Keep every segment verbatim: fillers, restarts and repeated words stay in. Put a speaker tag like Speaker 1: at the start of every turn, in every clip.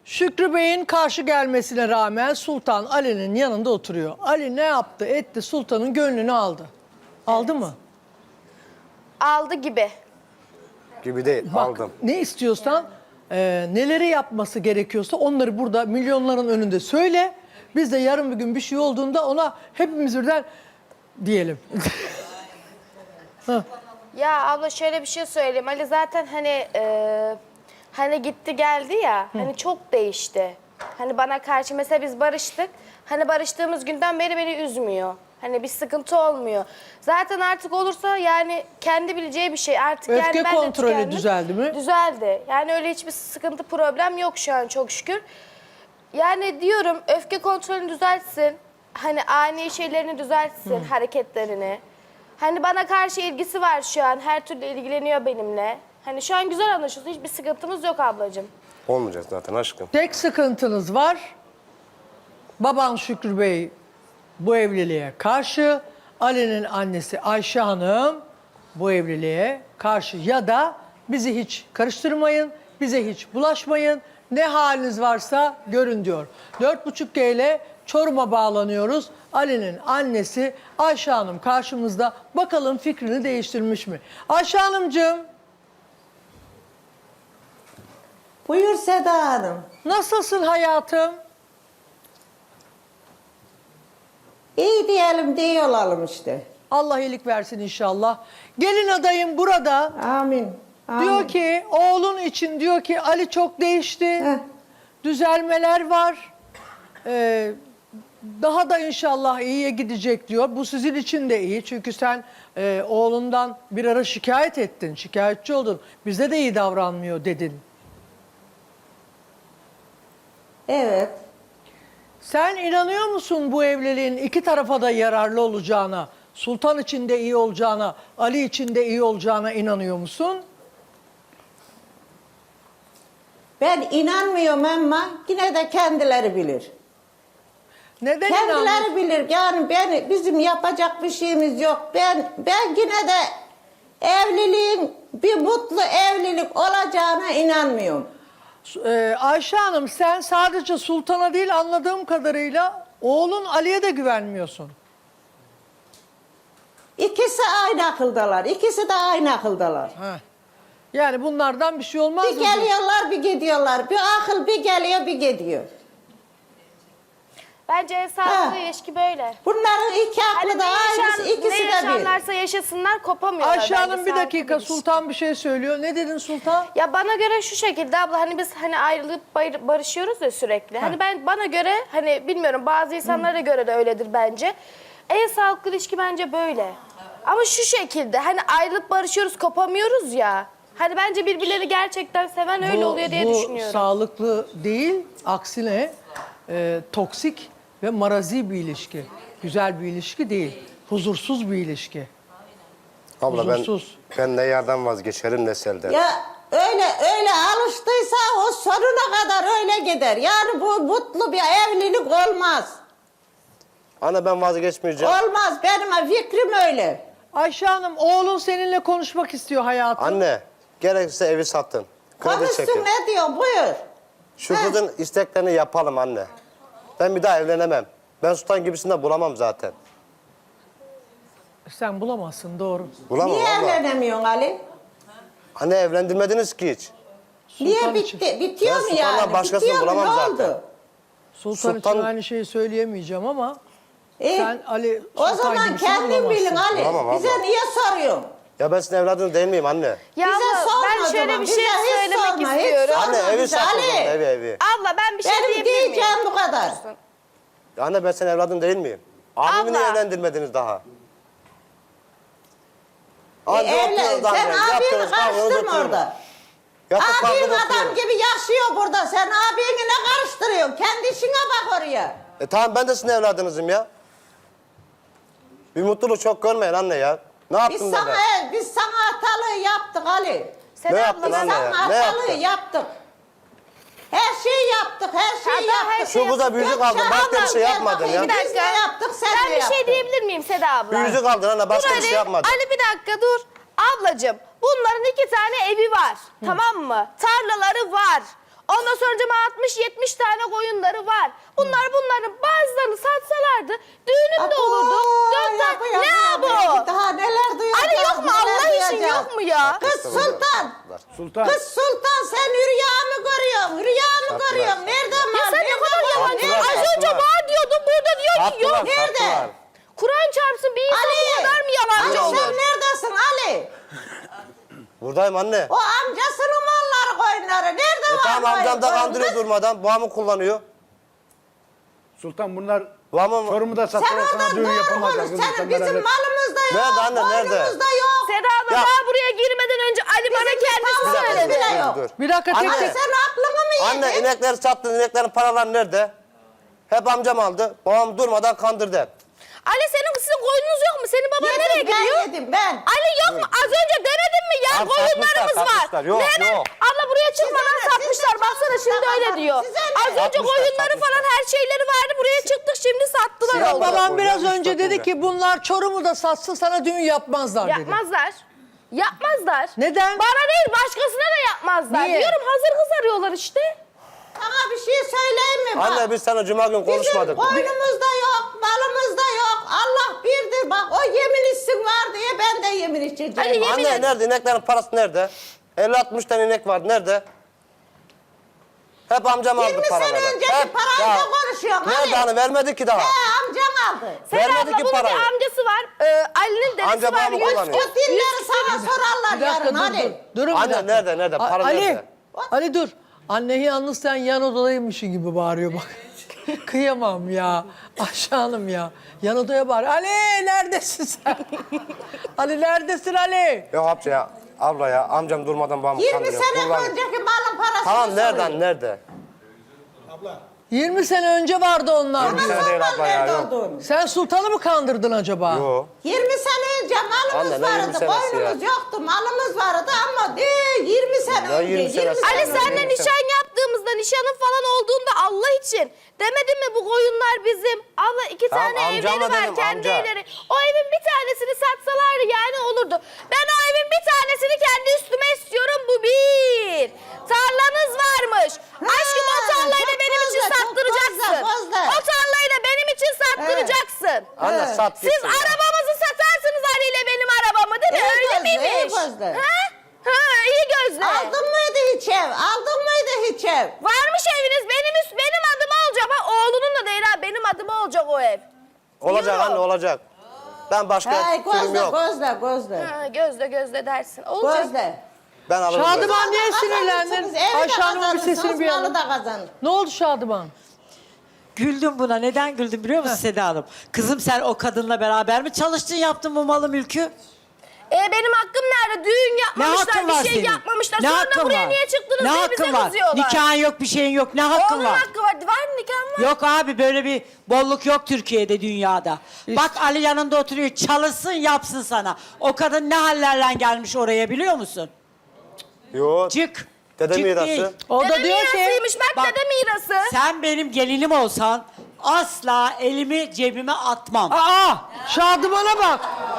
Speaker 1: Şükrü Bey'in karşı gelmesine rağmen Sultan Ali'nin yanında oturuyor. Ali ne yaptı etti, Sultan'ın gönlünü aldı. Aldı mı?
Speaker 2: Aldı gibi.
Speaker 3: Gibi değil,
Speaker 1: Bak,
Speaker 3: aldım.
Speaker 1: ne istiyorsan, e, neleri yapması gerekiyorsa onları burada milyonların önünde söyle. Biz de yarın bir gün bir şey olduğunda ona hepimiz birden diyelim.
Speaker 2: Ya abla şöyle bir şey söyleyeyim. Ali zaten hani e, hani gitti geldi ya. Hani çok değişti. Hani bana karşı mesela biz barıştık. Hani barıştığımız günden beri beni üzmüyor. Hani bir sıkıntı olmuyor. Zaten artık olursa yani kendi bileceği bir şey. Artık
Speaker 1: Öfke
Speaker 2: yani ben de
Speaker 1: kontrolü
Speaker 2: tükendim.
Speaker 1: düzeldi mi?
Speaker 2: Düzeldi. Yani öyle hiçbir sıkıntı problem yok şu an çok şükür. Yani diyorum öfke kontrolünü düzeltsin. Hani ani şeylerini düzeltsin, hareketlerini. Hani bana karşı ilgisi var şu an. Her türlü ilgileniyor benimle. Hani şu an güzel anlaşıyoruz. Hiçbir sıkıntımız yok ablacığım.
Speaker 3: Olmayacak zaten aşkım.
Speaker 1: Tek sıkıntınız var. Baban Şükrü Bey bu evliliğe karşı. Ali'nin annesi Ayşe Hanım bu evliliğe karşı. Ya da bizi hiç karıştırmayın, bize hiç bulaşmayın. Ne haliniz varsa görün diyor. Dört buçuk G ile Çorum'a bağlanıyoruz. Ali'nin annesi Ayşe Hanım karşımızda. Bakalım fikrini değiştirmiş mi? Ayşe Hanımcığım,
Speaker 4: Buyur Seda Hanım.
Speaker 1: nasılsın hayatım?
Speaker 4: İyi diyelim diye olalım işte.
Speaker 1: Allah iyilik versin inşallah. Gelin adayım burada.
Speaker 4: Amin. Amin.
Speaker 1: Diyor ki oğlun için diyor ki Ali çok değişti.
Speaker 4: Heh.
Speaker 1: Düzelmeler var. Ee, daha da inşallah iyiye gidecek diyor. Bu sizin için de iyi. Çünkü sen e, oğlundan bir ara şikayet ettin. Şikayetçi oldun. Bize de iyi davranmıyor dedin.
Speaker 4: Evet.
Speaker 1: Sen inanıyor musun bu evliliğin iki tarafa da yararlı olacağına? Sultan için de iyi olacağına, Ali için de iyi olacağına inanıyor musun?
Speaker 4: Ben inanmıyorum ama yine de kendileri bilir.
Speaker 1: Neden
Speaker 4: Kendileri
Speaker 1: inanmıyorsun?
Speaker 4: bilir. Yani ben bizim yapacak bir şeyimiz yok. Ben ben yine de evliliğin bir mutlu evlilik olacağına inanmıyorum.
Speaker 1: Ee, Ayşe Hanım sen sadece Sultan'a değil anladığım kadarıyla oğlun Ali'ye de güvenmiyorsun.
Speaker 4: İkisi aynı akıldalar. İkisi de aynı akıldalar.
Speaker 1: Heh. Yani bunlardan bir şey olmaz
Speaker 4: Bir
Speaker 1: mı?
Speaker 4: geliyorlar bir gidiyorlar. Bir akıl bir geliyor bir gidiyor.
Speaker 2: Bence sağlıklı
Speaker 4: Ha.
Speaker 2: ilişki böyle.
Speaker 4: Bunların iki aklı
Speaker 2: Hani
Speaker 4: da
Speaker 2: ne, yaşan,
Speaker 4: aynısı, ikisi
Speaker 2: ne
Speaker 4: de bir.
Speaker 2: yaşarlarsa yaşasınlar kopamıyorlar.
Speaker 1: Ayşe
Speaker 2: bence
Speaker 1: Hanım bir
Speaker 2: sağlıklı
Speaker 1: dakika
Speaker 2: ilişki.
Speaker 1: Sultan bir şey söylüyor. Ne dedin Sultan?
Speaker 2: Ya bana göre şu şekilde abla hani biz hani ayrılıp bayır- barışıyoruz ya sürekli. Hani ben bana göre hani bilmiyorum bazı insanlara göre de öyledir bence. En sağlıklı ilişki bence böyle. Ama şu şekilde hani ayrılıp barışıyoruz kopamıyoruz ya. Hani bence birbirlerini gerçekten seven öyle
Speaker 1: Bu-
Speaker 2: oluyor diye
Speaker 1: bu
Speaker 2: düşünüyorum.
Speaker 1: sağlıklı değil, aksine e, toksik ve marazi bir ilişki. Güzel bir ilişki değil, huzursuz bir ilişki.
Speaker 3: Abla ben,
Speaker 1: Huzursuz.
Speaker 3: ben ne yerden vazgeçerim ne selden.
Speaker 4: Ya öyle öyle alıştıysa o sonuna kadar öyle gider. Yani bu mutlu bir evlilik olmaz.
Speaker 3: Ana ben vazgeçmeyeceğim.
Speaker 4: Olmaz. Benim fikrim öyle.
Speaker 1: Ayşe Hanım oğlun seninle konuşmak istiyor hayatım.
Speaker 3: Anne gerekirse evi satın. Kredi
Speaker 4: Konuşsun
Speaker 3: çekin.
Speaker 4: ne diyor buyur.
Speaker 3: Şu
Speaker 4: Heh.
Speaker 3: kızın isteklerini yapalım anne. Ben bir daha evlenemem. Ben Sultan gibisini de bulamam zaten.
Speaker 1: Sen bulamazsın doğru.
Speaker 3: Bulamam
Speaker 4: Niye
Speaker 3: abla.
Speaker 4: evlenemiyorsun Ali?
Speaker 3: Anne evlendirmediniz ki hiç.
Speaker 4: Niye
Speaker 1: Sultan için.
Speaker 4: bitti? Bitiyor
Speaker 3: Ben
Speaker 4: mu
Speaker 3: Sultan'dan
Speaker 4: yani?
Speaker 3: başkasını
Speaker 4: Bitiyor mu?
Speaker 3: bulamam
Speaker 4: Ne
Speaker 3: zaten.
Speaker 4: oldu?
Speaker 1: Sultan,
Speaker 3: Sultan-
Speaker 1: için aynı şeyi söyleyemeyeceğim ama
Speaker 4: E,
Speaker 1: sen Ali
Speaker 4: o
Speaker 1: Sultan
Speaker 4: zaman
Speaker 1: gibisini
Speaker 4: kendin
Speaker 1: bulamazsın.
Speaker 4: bilin Ali.
Speaker 3: Bulamam abla.
Speaker 4: Bize niye soruyorsun?
Speaker 3: Ya ben sizin evladınız değil miyim anne?
Speaker 2: Ya
Speaker 4: Bize
Speaker 2: abla,
Speaker 4: sorma
Speaker 2: ben
Speaker 4: o
Speaker 2: şöyle
Speaker 4: zaman.
Speaker 2: bir
Speaker 4: Bize
Speaker 2: şey
Speaker 4: hiç
Speaker 2: söylemek
Speaker 4: sorma, hiç
Speaker 2: istiyorum.
Speaker 4: sorma.
Speaker 3: Anne evi
Speaker 4: bize,
Speaker 3: satın.
Speaker 4: Ali.
Speaker 3: Evi evi.
Speaker 2: Abla ben bir şey
Speaker 4: Benim
Speaker 2: diyebilir miyim?
Speaker 4: diyeceğim bu kadar.
Speaker 3: Ya Anne ben senin evladın değil miyim? Abimi
Speaker 2: Abla.
Speaker 3: niye evlendirmediniz daha?
Speaker 4: E,
Speaker 3: Anca
Speaker 4: evlen,
Speaker 3: oturuyoruz anne.
Speaker 4: sen abini
Speaker 3: Yaptınız, kavganız,
Speaker 4: karıştırma
Speaker 3: oturuyoruz.
Speaker 4: orada.
Speaker 3: Yatıp
Speaker 4: Abin
Speaker 3: kalkıp
Speaker 4: adam
Speaker 3: oturuyoruz.
Speaker 4: gibi yaşıyor burada. Sen abini ne karıştırıyorsun? Kendi işine bak oraya.
Speaker 3: E tamam ben de sizin evladınızım ya. Bir mutluluk çok görmeyin anne ya. Ne
Speaker 4: Biz
Speaker 3: yaptım da
Speaker 4: sana,
Speaker 3: ben?
Speaker 4: biz sana hatalığı yaptık Ali.
Speaker 2: Seda
Speaker 3: Ne
Speaker 2: abla,
Speaker 3: yaptın
Speaker 4: Biz
Speaker 3: anne
Speaker 4: sana
Speaker 3: ya? Ne
Speaker 4: hatalığı
Speaker 3: yaptın?
Speaker 4: yaptık. Her şeyi yaptık, her şeyi
Speaker 2: Hatta her
Speaker 4: yaptık.
Speaker 2: şey
Speaker 3: Şu kıza bir yüzük aldın. Başka bir şey
Speaker 4: Gel
Speaker 3: yapmadın
Speaker 4: bakayım,
Speaker 3: ya.
Speaker 2: Bir dakika.
Speaker 4: Biz ne yaptık, sen
Speaker 2: Ben
Speaker 4: ne
Speaker 2: bir şey
Speaker 4: yaptın?
Speaker 2: diyebilir miyim Seda abla?
Speaker 3: Bir yüzük aldın anne. Başka
Speaker 2: Dur
Speaker 3: bir şey
Speaker 2: Ali,
Speaker 3: yapmadın.
Speaker 2: Ali bir dakika dur. Ablacığım bunların iki tane evi var. Tamam mı? Tarlaları var. Ondan sonra altmış yetmiş tane koyunları var. Bunlar bunların bazılarını satsalardı düğünüm de
Speaker 4: Abo,
Speaker 2: olurdu. Dört
Speaker 4: yapı,
Speaker 2: tane.
Speaker 4: yapı,
Speaker 2: Ne
Speaker 4: yapı.
Speaker 2: abo?
Speaker 4: Daha neler duyacağız.
Speaker 2: Ali yok mu?
Speaker 4: neler
Speaker 2: Allah için
Speaker 4: duyacağız.
Speaker 2: yok mu ya?
Speaker 4: Kız Sultan.
Speaker 5: Sultan.
Speaker 4: Kız Sultan sen rüya mı görüyorsun? Rüya mı
Speaker 3: Sattılar.
Speaker 4: görüyorsun? Nereden
Speaker 2: Ya
Speaker 4: var?
Speaker 2: sen ne
Speaker 4: Nereden
Speaker 2: kadar
Speaker 4: var?
Speaker 2: yalancı.
Speaker 3: Sattılar,
Speaker 2: Az önce
Speaker 3: sattılar.
Speaker 2: var diyordun, burada diyor ki yok.
Speaker 3: Sattılar,
Speaker 4: Nerede?
Speaker 3: sattılar.
Speaker 2: Kur'an çarpsın bir insan
Speaker 4: Ali.
Speaker 2: bu kadar mı yalancı
Speaker 4: Ali sen
Speaker 2: olur?
Speaker 4: neredesin Ali?
Speaker 3: Buradayım anne.
Speaker 4: O amcasının malları koyunları. Nerede
Speaker 3: E
Speaker 4: var
Speaker 3: tamam amcam da
Speaker 4: koyun?
Speaker 3: kandırıyor
Speaker 4: Kız,
Speaker 3: durmadan. Babamı kullanıyor.
Speaker 5: Sultan bunlar
Speaker 3: Babamı...
Speaker 5: Çorum'da
Speaker 4: Sen
Speaker 5: sattılar,
Speaker 4: oradan
Speaker 5: sana düğün
Speaker 4: doğru
Speaker 5: yapamazlar.
Speaker 4: konuş.
Speaker 5: Kızım,
Speaker 4: Senin
Speaker 5: sen
Speaker 4: bizim
Speaker 5: beraber-
Speaker 4: malımız da yok.
Speaker 3: Nerede anne, nerede?
Speaker 4: Koyunumuz da yok.
Speaker 2: Seda abla
Speaker 3: Ya-
Speaker 2: daha buraya girmeden önce Ali bana
Speaker 4: Bizim
Speaker 2: kendisi
Speaker 4: tavuğumuz
Speaker 2: söyledi.
Speaker 4: bile yok.
Speaker 3: Dur.
Speaker 1: Bir dakika tek
Speaker 3: Anne.
Speaker 1: tek.
Speaker 4: Sen aklını mı yedin?
Speaker 3: Anne inekleri sattın, ineklerin paraları nerede? Hep amcam aldı. Babam durmadan kandırdı hep.
Speaker 2: Ali senin sizin koyununuz yok mu? Senin baban
Speaker 4: Yedim,
Speaker 2: nereye
Speaker 4: ben
Speaker 2: gidiyor?
Speaker 4: yedim ben.
Speaker 2: Ali yok mu? Az önce demedin mi ya?
Speaker 3: Tamam,
Speaker 2: Koyunlarımız
Speaker 3: satmışlar,
Speaker 2: var.
Speaker 3: satmışlar. Yok,
Speaker 2: Nerede?
Speaker 3: yok.
Speaker 2: Abla buraya çıkmadan
Speaker 4: Size ne?
Speaker 2: satmışlar.
Speaker 4: Size
Speaker 2: Baksana şimdi
Speaker 4: satmışlar,
Speaker 2: öyle diyor.
Speaker 4: size ne?
Speaker 2: Az önce
Speaker 3: Satmışlar,
Speaker 2: koyunları
Speaker 3: satmışlar.
Speaker 2: falan her şeyleri vardı. Buraya çıktık şimdi sattılar
Speaker 3: Siyah
Speaker 2: onu.
Speaker 3: baba-
Speaker 1: Babam
Speaker 3: koyun,
Speaker 1: biraz
Speaker 3: üç
Speaker 1: önce
Speaker 3: dört
Speaker 1: dedi
Speaker 3: koyun.
Speaker 1: ki bunlar Çorum'u da satsa sana düğün yapmazlar dedi.
Speaker 2: Yapmazlar. Yapmazlar.
Speaker 1: Neden?
Speaker 2: Bana değil başkasına da yapmazlar.
Speaker 1: Niye?
Speaker 2: Diyorum hazır kız arıyorlar işte.
Speaker 4: Sana bir şey söyleyeyim mi? Bak,
Speaker 3: Anne biz sana cuma gün konuşmadık.
Speaker 4: Bizim koyunumuz da yok, malımız da yok. Allah birdir. Bak o yemin içsin var diye ben de yemin içeceğim.
Speaker 2: Ali, yemin
Speaker 3: Anne
Speaker 2: et.
Speaker 3: nerede? İneklerin parası nerede? elli altmış tane inek vardı. Nerede? Hep amcam aldı
Speaker 4: yirmi
Speaker 3: paraları.
Speaker 4: sene önceki
Speaker 3: Hep.
Speaker 4: parayla
Speaker 3: Ya,
Speaker 4: konuşuyorsun
Speaker 3: nerede
Speaker 4: Ali.
Speaker 3: hani vermedi ki daha.
Speaker 4: He amcam aldı.
Speaker 2: Seda
Speaker 3: Vermedi
Speaker 2: abla
Speaker 3: ki
Speaker 2: bunun
Speaker 3: parayı.
Speaker 2: bir amcası var. Ee, Ali'nin dedesi
Speaker 3: Amca
Speaker 2: var.
Speaker 3: babamı
Speaker 2: Yüz-
Speaker 3: kullanıyor.
Speaker 4: O dilleri sana sorarlar
Speaker 1: Bir dakika
Speaker 4: yarın
Speaker 1: dur,
Speaker 4: Ali.
Speaker 1: dur. Durun bir
Speaker 3: Anne,
Speaker 1: dakika.
Speaker 3: nerede, nerede?
Speaker 1: A-
Speaker 3: Para
Speaker 1: Ali,
Speaker 3: nerede?
Speaker 1: Ali dur. Anne yalnız sen yan odadaymışsın gibi bağırıyor bak. Kıyamam ya. Ayşe Hanım ya. Yan odaya bağır. Ali neredesin sen? Ali neredesin Ali?
Speaker 3: Yok amca ya. Abla ya amcam durmadan babamı
Speaker 4: yirmi
Speaker 3: kandırıyor.
Speaker 4: sene
Speaker 3: kullanıyor.
Speaker 4: önceki malın parasını
Speaker 3: Tamam
Speaker 4: soruyor.
Speaker 3: nereden nerede?
Speaker 1: yirmi sene önce vardı onlar.
Speaker 3: yirmi sene değil abla ya.
Speaker 4: Nerede
Speaker 3: Yok.
Speaker 4: olduğunu.
Speaker 1: Sen sultanı mı kandırdın acaba?
Speaker 3: Yok.
Speaker 4: yirmi sene önce malımız
Speaker 3: Anne, ne yirmi
Speaker 4: vardı,
Speaker 3: senesi
Speaker 4: koyunumuz
Speaker 3: ya?
Speaker 4: yoktu, malımız vardı ama değil yirmi sene
Speaker 3: Ya
Speaker 4: önce.
Speaker 3: yirmi senesi.
Speaker 2: Ali
Speaker 3: Anne,
Speaker 2: senle
Speaker 3: yirmi
Speaker 2: nişan yaptığımızda, nişanın falan olduğunda Allah için demedin mi bu koyunlar bizim? Allah iki
Speaker 3: Tamam,
Speaker 2: tane
Speaker 3: amcama
Speaker 2: evleri var,
Speaker 3: dedim,
Speaker 2: kendi
Speaker 3: amca.
Speaker 2: evleri. O evin bir tanesini satsalardı yani olurdu. Ben o evin bir tanesini kendi üstüme istiyorum, bu bir. Tarlanız varmış. Aşkım o tarlayı da
Speaker 4: çok
Speaker 2: benim için
Speaker 4: fazla, çok
Speaker 2: sattıracaksın.
Speaker 4: fazla, fazla.
Speaker 2: O tarlayı da benim için sattıracaksın.
Speaker 3: Anne
Speaker 4: Evet.
Speaker 3: sat
Speaker 2: Siz
Speaker 3: gitsin ya.
Speaker 2: arabamızı satarsınız Ali ile benim arabamı değil mi?
Speaker 4: İyi
Speaker 2: Öyle
Speaker 4: gözlü, iyi
Speaker 2: miymiş?
Speaker 4: gözlü.
Speaker 2: Ha? Ha, iyi gözlü.
Speaker 4: Aldın mıydı hiç ev? Aldın mıydı hiç ev?
Speaker 2: Varmış eviniz benim üst benim adıma olacak. Ha, oğlunun da değil ha benim adıma olacak o ev.
Speaker 3: Olacak
Speaker 2: Yok.
Speaker 3: anne olacak. Ben başka
Speaker 4: Hey
Speaker 3: türüm
Speaker 4: gözle,
Speaker 3: yok.
Speaker 4: gözle, gözle.
Speaker 2: Ha, gözle gözle dersin. Olacak.
Speaker 4: Gözle.
Speaker 3: Ben alırım. böyle.
Speaker 1: Şadıman niye
Speaker 4: Kazanırsınız,
Speaker 1: sinirlendin?
Speaker 4: evi de
Speaker 1: Ayşe Hanım'ın bir
Speaker 4: kazanırsınız,
Speaker 1: sesini bir
Speaker 4: malı
Speaker 1: alın.
Speaker 4: da kazanır.
Speaker 1: Ne oldu Şadıman?
Speaker 6: Güldüm buna. Neden güldüm biliyor musun Seda Hanım? Kızım sen o kadınla beraber mi çalıştın, yaptın bu malı mülkü?
Speaker 2: E benim hakkım nerede? Düğün
Speaker 6: Ne
Speaker 2: yapmamışlar,
Speaker 6: hakkın
Speaker 2: bir
Speaker 6: var
Speaker 2: şey
Speaker 6: senin?
Speaker 2: yapmamışlar.
Speaker 6: Ne
Speaker 2: Sonra
Speaker 6: hakkın
Speaker 2: buraya
Speaker 6: var?
Speaker 2: niye çıktınız
Speaker 6: Ne
Speaker 2: diye bize
Speaker 6: hakkın var?
Speaker 2: kızıyorlar.
Speaker 6: Nikahın yok, bir şeyin yok. Ne hakkın
Speaker 2: Oğlunun
Speaker 6: var?
Speaker 2: hakkı var. Var mı nikahın var?
Speaker 6: Yok abi, böyle bir bolluk yok Türkiye'de, dünyada. Bak Ali yanında oturuyor, çalışsın yapsın sana. O kadın ne hallerle gelmiş oraya biliyor musun?
Speaker 3: Yok.
Speaker 6: Çık.
Speaker 3: Dede
Speaker 6: Çık
Speaker 3: mirası.
Speaker 6: değil.
Speaker 1: O da
Speaker 2: Dede
Speaker 1: diyor ki
Speaker 2: mirasıymış. Bak,
Speaker 6: Bak,
Speaker 2: dede mirası.
Speaker 6: Sen benim gelinim olsan asla elimi cebime atmam.
Speaker 1: aa Şadıman'a bak.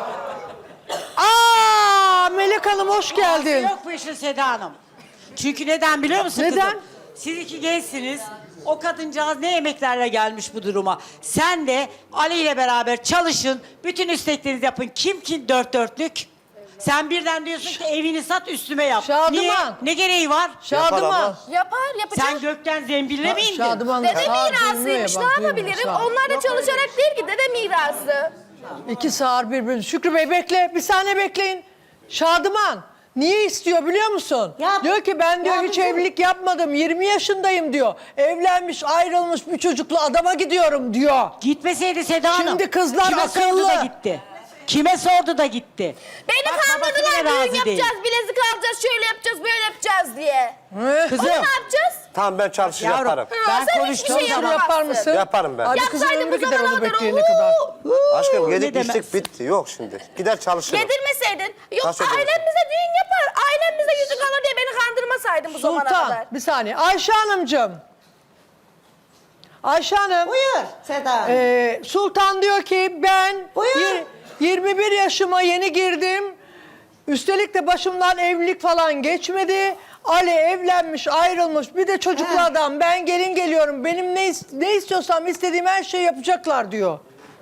Speaker 1: Aa Melek Hanım hoş geldin.
Speaker 6: Yok bu işin Seda Hanım. Çünkü neden biliyor musun
Speaker 1: Neden?
Speaker 6: kızım? Siz iki gençsiniz. O kadıncağız ne emeklerle gelmiş bu duruma. Sen de Ali ile beraber çalışın. Bütün isteklerinizi yapın. Kim kim dört dörtlük? Sen birden diyorsun ki evini sat üstüme yap.
Speaker 1: Şadıman.
Speaker 6: Niye? Ne gereği var?
Speaker 1: Şadıman.
Speaker 2: Yapar, yapacak.
Speaker 6: Sen gökten zembille mi indin?
Speaker 1: Şadıman
Speaker 2: Dede
Speaker 1: sağır duymuyor
Speaker 2: mirasıymış.
Speaker 1: ya,
Speaker 2: Ne
Speaker 1: bak, duymuyor,
Speaker 2: yapabilirim?
Speaker 1: sağır.
Speaker 2: Onlar da çalışarak değil ki dede mirası.
Speaker 1: İki sağır birbirini. Şükrü Bey bekle. Bir saniye bekleyin. Şadıman niye istiyor biliyor musun?
Speaker 4: Ya-
Speaker 1: diyor ki ben diyor
Speaker 4: ya
Speaker 1: hiç
Speaker 4: bizim-
Speaker 1: evlilik yapmadım. yirmi yaşındayım diyor. Evlenmiş ayrılmış bir çocuklu adama gidiyorum diyor.
Speaker 6: Gitmeseydi Seda Hanım.
Speaker 1: Şimdi kızlar
Speaker 6: Kime
Speaker 1: akıllı.
Speaker 6: sordu da gitti? Kime sordu da gitti?
Speaker 2: Beni
Speaker 6: Bak, babası
Speaker 2: kandırdılar,
Speaker 6: bile
Speaker 2: düğün
Speaker 6: razı
Speaker 2: yapacağız,
Speaker 6: değil.
Speaker 2: bilezik alacağız, şöyle yapacağız, böyle yapacağız diye.
Speaker 1: He?
Speaker 6: Kızım.
Speaker 2: Onu ne yapacağız?
Speaker 3: Tamım ben çalışır
Speaker 6: Yavrum.
Speaker 3: yaparım.
Speaker 2: Ha,
Speaker 6: Ben
Speaker 2: sen
Speaker 6: konuştuğum
Speaker 2: hiçbir şey
Speaker 6: zaman-
Speaker 1: Yapar
Speaker 2: yapamazsın.
Speaker 1: mısın?
Speaker 3: Yaparım ben.
Speaker 1: Hadi kızın
Speaker 2: Yapsaydın
Speaker 1: ömrü
Speaker 2: bu
Speaker 1: gider
Speaker 2: zamana
Speaker 1: onu
Speaker 2: kadar.
Speaker 1: bekleyene kadar.
Speaker 3: Aşkım
Speaker 6: ne
Speaker 3: yedik
Speaker 6: demez?
Speaker 3: içtik bitti. Yok şimdi. Gider çalışırım.
Speaker 2: Yedirmeseydin. Yok
Speaker 3: Kaç ödüyorsun?
Speaker 2: ailemize düğün yapar. Ailemize yüzük alır diye beni kandırmasaydın bu zamana
Speaker 1: Sultan
Speaker 2: kadar.
Speaker 1: bir saniye. Ayşe Hanımcığım. Ayşe Hanım.
Speaker 4: Buyur Seda Hanım.
Speaker 1: Ee, Sultan diyor ki ben
Speaker 4: Buyur.
Speaker 1: yir- yirmi bir yaşıma yeni girdim. Üstelik de başımdan evlilik falan geçmedi. Ali evlenmiş, ayrılmış. Bir de çocuklu
Speaker 4: He.
Speaker 1: adam. Ben gelin geliyorum. Benim ne, is- ne istiyorsam istediğim her şeyi yapacaklar diyor.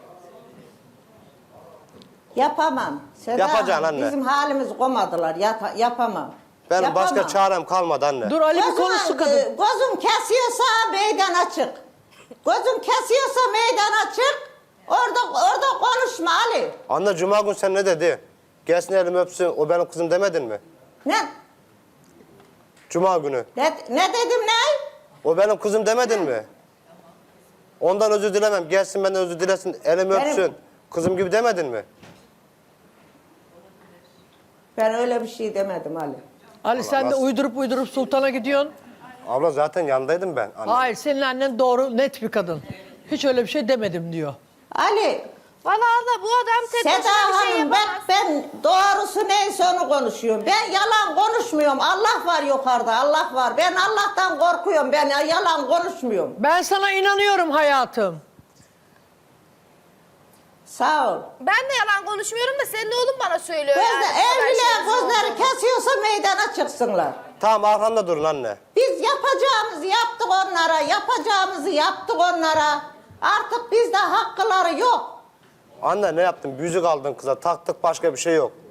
Speaker 4: Yapamam. Seda
Speaker 3: Yapacaksın
Speaker 4: Hanım,
Speaker 3: anne.
Speaker 4: Bizim halimizi komadılar. Yata- yapamam.
Speaker 3: Benim
Speaker 4: Yapamam.
Speaker 3: başka çarem kalmadı anne.
Speaker 1: Dur Ali bir
Speaker 4: Gözüm-
Speaker 1: konuşsun kadın.
Speaker 4: e, Gözüm kesiyorsa meydan açık. Gözüm kesiyorsa meydan açık. Orada orada konuşma Ali.
Speaker 3: Anne cuma gün sen ne dedi? Gelsin elimi öpsün, o benim kızım demedin mi?
Speaker 4: Ne
Speaker 3: Cuma günü.
Speaker 4: ne, ne dedim ne?
Speaker 3: O benim kızım demedin mi? Ondan özür dilemem. Gelsin benden özür dilesin, elimi
Speaker 4: Benim-
Speaker 3: öpsün. Kızım gibi demedin mi?
Speaker 4: Ben öyle bir şey demedim Ali.
Speaker 1: Ali sen de
Speaker 3: nasıl-
Speaker 1: uydurup uydurup sultana gidiyorsun.
Speaker 3: Abla zaten yanındaydım ben. Anne.
Speaker 1: Hayır senin annen doğru net bir kadın. Hiç öyle bir şey demedim diyor.
Speaker 4: Ali,
Speaker 2: Valla abla bu adam tek
Speaker 4: Seda
Speaker 2: başına bir şey
Speaker 4: Hanım bak
Speaker 2: yapamaz.
Speaker 4: ben doğrusu neyse onu konuşuyorum. Ben yalan konuşmuyorum. Allah var yukarıda, Allah var. Ben Allah'tan korkuyorum. Ben yalan konuşmuyorum.
Speaker 1: Ben sana inanıyorum hayatım.
Speaker 4: Sağ ol.
Speaker 2: Ben de yalan konuşmuyorum da senin oğlun bana söylüyor
Speaker 4: Gözde,
Speaker 2: yani. bu kadar
Speaker 4: evliler
Speaker 2: şeyin
Speaker 4: gözleri
Speaker 2: olduğunu.
Speaker 4: kesiyorsa meydana çıksınlar.
Speaker 3: Tamam arkamda durun anne.
Speaker 4: Biz yapacağımızı yaptık onlara, yapacağımızı yaptık onlara. Artık bizde hakkıları yok.
Speaker 3: Anne ne yaptın? Yüzük aldın kıza, taktık başka bir şey yok.